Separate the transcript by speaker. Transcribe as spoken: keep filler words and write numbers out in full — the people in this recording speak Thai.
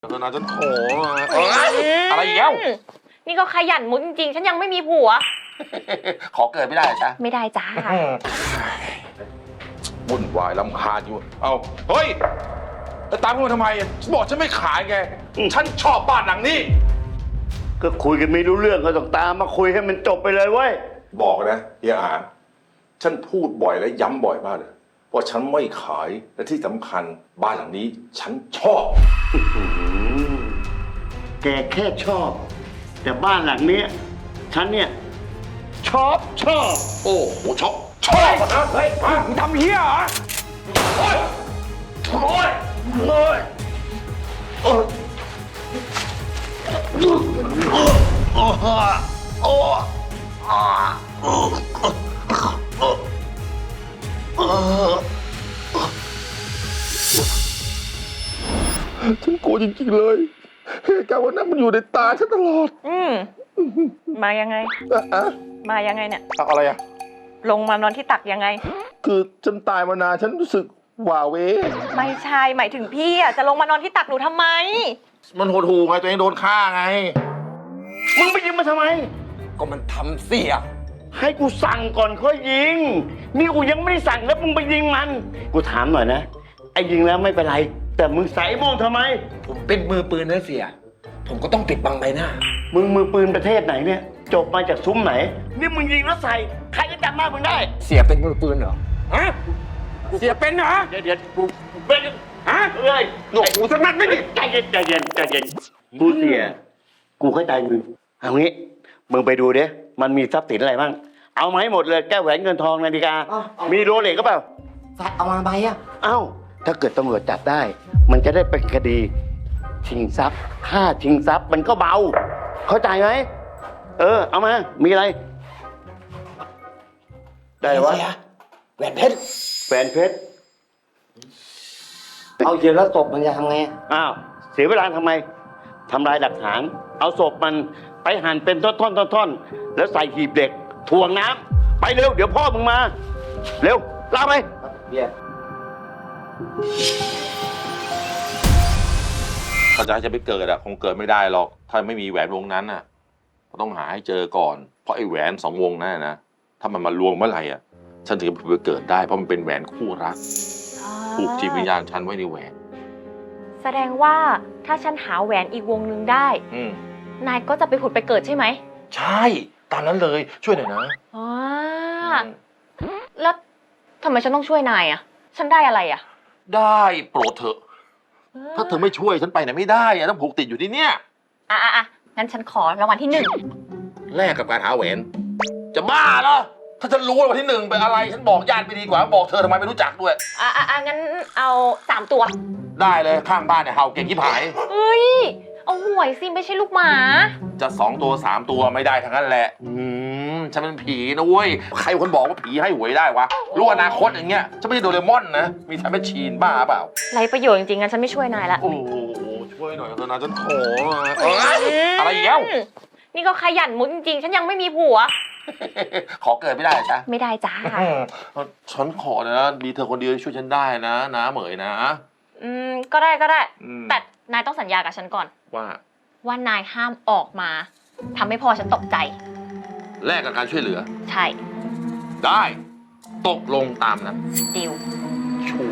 Speaker 1: ธนาฉันขออะไรอีกแล้ว
Speaker 2: นี่ก็ขยันมุดจริงๆฉันยังไม่มีผัว
Speaker 1: ขอเกิดไม่ได้ใช่
Speaker 2: ไม่ได้จ้า
Speaker 1: วุ่นวายรำคาญอยู่เอาเฮ้ยแล้วตามมาทำไมฉันบอกฉันไม่ขายไงฉันชอบบ้านหลังนี้
Speaker 3: ก็คุยกันไม่รู้เรื่องก็ต้องตามมาคุยให้มันจบไปเลยเว้ย
Speaker 1: บอกนะเฮียอาฉันพูดบ่อยและย้ำบ่อยมากเลยว่าฉันไม่ขายและที่สำคัญบ้านหลังนี้ฉันชอบ
Speaker 3: แกแค่ชอบแต่บ้านหลังนี้ฉันเนี่ยชอบชอบ
Speaker 1: โอ้โหชอบชอบนะเฮ้ยมึงทำเฮียเหรอโอ้ยโอ้ยโอ้ยโอ้ยโอ้ยโอ้ยฉันกลัวจริงๆเลยเหตุการณ์วันนั้นมันอยู่ในตาฉันตลอด
Speaker 2: อืมมายังไงอะมายังไงเนี่ย
Speaker 1: ตักอะไรอะ
Speaker 2: ลงมานอนที่ตักยังไง
Speaker 1: คือฉันตายมานานฉันรู้สึกหว่าเว
Speaker 2: ไม่ใช่หมายถึงพี่อะจะลงมานอนที่ตักหนูทำไม
Speaker 1: มันโหดหูไงตัวเองโดนฆ่าไง
Speaker 3: มึงไปยิงมันทำไม
Speaker 1: ก็มันทำเสีย
Speaker 3: ให้กูสั่งก่อนค่อยยิงนี่กูยังไม่ได้สั่งแล้วมึงไปยิงมันกูถามหน่อยนะไอ้ยิงแล้วไม่เป็นไรแต่มึงใส่โม่งทำไม
Speaker 4: ผมเป็นมือปืนนะเสียผมก็ต้องปิดบังใบหน้า
Speaker 3: มึงมือปืนประเทศไหนเนี่ยจบมาจากซุ้มไหนนี่มึงยิงแล้วใส่ใครจะจำหน้ามึงได้
Speaker 4: เสียเป็นมือปืนเหรอฮะเสียเป็นเหรอ
Speaker 3: เดี๋ยวเดี๋ยวกูเป็น
Speaker 4: ฮะ
Speaker 3: เอ้ย
Speaker 4: หนวกหูสักนัดไม่ดิ
Speaker 3: ใจเย็นใจเย็นใจเย็นกูเสียกูเข้าใจมึงเอางี้มึงไปดูดิมันมีทรัพย์สินอะไรบ้างเอามาให้หมดเลยแก้วแหวนเงินทองนาฬิกามีโรเล็กก็เปล่า
Speaker 4: เอามาใบอ่ะ
Speaker 3: เอ้าถ้าเกิดตำรวจจับได้มันจะได้เป็นคดีชิงทรัพย์ค่าชิงทรัพย์มันก็เบาเข้าใจไหมเออเอามามีอะไรได้หรอวะ
Speaker 4: แหวนเพชร
Speaker 3: แหวนเพชร
Speaker 4: เอาเยอะแล้วศพมันจะทำไง
Speaker 3: อ้าวเสียเวลาทำไมทำลายหลักฐานเอาศพมันไปหั่นเป็นท่อนๆๆแล้วใส่หีบเหล็กถ่วงน้ำไปเร็วเดี๋ยวพ่อมึงมาเร็วลากไป
Speaker 4: เบี้ย
Speaker 1: ถ้าจะให้จะไปเกิดอะคงเกิดไม่ได้หรอกถ้าไม่มีแหวนวงนั้นอะก็ต้องหาให้เจอก่อนเพราะไอ้แหวนสองวงนั่นนะถ้ามันมารวมเมื่อไหร่อะฉันถึงจะไปเกิดได้เพราะมันเป็นแหวนคู่รักผูกจิตวิญญาณฉันไว้ในแหวน
Speaker 2: แสดงว่าถ้าฉันหาแหวนอีกวงนึงได้นายก็จะไปผุดไปเกิดใช่ไหม
Speaker 1: ใช่ตามนั้นเลยช่วยหน่อยนะ
Speaker 2: อ๋อแล้วทำไมฉันต้องช่วยนายอะฉันได้อะไรอะ
Speaker 1: ได้โปรดเถอะถ้าเธอไม่ช่วยฉันไปไหนไม่ได้อะต้องผูกติดอยู่ที่เนี่ย
Speaker 2: อ่ะอ่ะอ่ะงั้นฉันขอรางวัลที่หนึ่ง
Speaker 1: แลกกับการหาแหวนจะบ้าเหรอถ้าฉันรู้รางวัลที่หนึ่งเป็นอะไรฉันบอกญาติไปดีกว่าบอกเธอทำไมไม่รู้จักด้วย
Speaker 2: อ่ะอ่ะอ่ะงั้นเอาสามตัว
Speaker 1: ได้เลยข้างบ้านเนี่ยเห่าเก่งที่ผาย
Speaker 2: เฮ้ยเอาหวยสิไม่ใช่ลูกหมา
Speaker 1: จะสองตัวสามตัวไม่ได้ทั้งนั้นแหละอืมฉันเป็นผีนะเว้ยใครคนบอกว่าผีให้หวยได้วะรู้อนาคตอย่างเงี้ยฉันไม่ใช่โดเรมอนนะมีทำเป็นชีนบ้าเปล่า
Speaker 2: ไรประโยชน์จริงๆงั้นฉันไม่ช่วยนายละ
Speaker 1: โอ้ช่วยหน่อยเถอะนะฉันขออะไรอีกแล้ว
Speaker 2: นี่ก็ขยันมุดจริงๆฉันยังไม่มีผัว
Speaker 1: ขอเกิดไม่ได้ใช่
Speaker 2: ไม่ได้จ้า
Speaker 1: ฉันขอนะมีเธอคนเดียวช่วยฉันได้นะนะเหมยนะ
Speaker 2: อืมก็ได้ก็ได้แต่นายต้องสัญญากับฉันก่อน
Speaker 1: ว่า
Speaker 2: ว่านายห้ามออกมาทำให้พ่อฉันตกใจ
Speaker 1: แลกกับการช่วยเหลือ
Speaker 2: ใช่
Speaker 1: ได้ตกลงตามนั้น
Speaker 2: ดิว
Speaker 1: ชัว